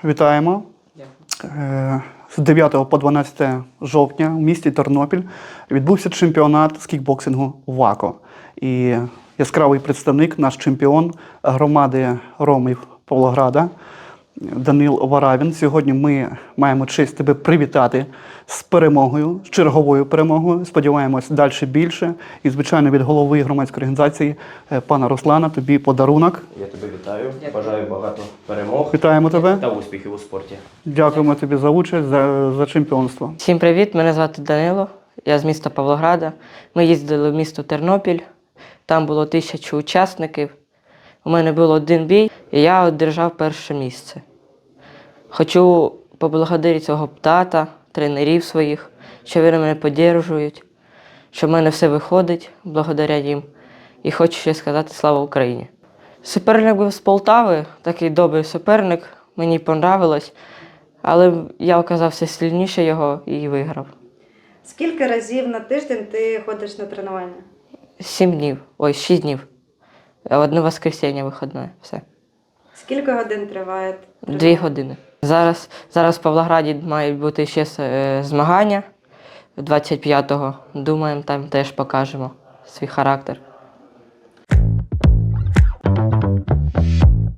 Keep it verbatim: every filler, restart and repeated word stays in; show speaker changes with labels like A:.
A: Вітаємо. Е, З дев'ятого по дванадцяте жовтня в місті Тернопіль відбувся чемпіонат з кікбоксингу ВАКО. І яскравий представник, наш чемпіон громади Ромів Павлограда Данил Варавін. Сьогодні ми маємо честь тебе привітати з перемогою, з черговою перемогою. Сподіваємось, далі більше. І, звичайно, від голови громадської організації пана Руслана тобі подарунок.
B: Я тебе вітаю, бажаю багато перемог.
A: Вітаємо тебе.
B: Та успіхів у спорті.
A: Дякуємо тобі за участь, за, за чемпіонство.
C: Всім привіт, мене звати Данило, я з міста Павлограда. Ми їздили в місто Тернопіль, там було тисячу учасників. У мене був один бій, і я одержав перше місце. Хочу поблагодарити свого тата, тренерів своїх, що вони мене підтримують, що в мене все виходить благодаря їм. І хочу ще сказати слава Україні. Суперник був з Полтави, такий добрий суперник, мені понравилось, але я оказався сильніше його і виграв.
D: Скільки разів на тиждень ти ходиш на тренування?
C: Сім днів, ой, шість днів. Одне воскресіння вихідне, все.
D: Скільки годин триває тренування?
C: Дві години. Зараз, зараз в Павлограді мають бути ще е, змагання двадцять п'ятого. Думаємо, там теж покажемо свій характер.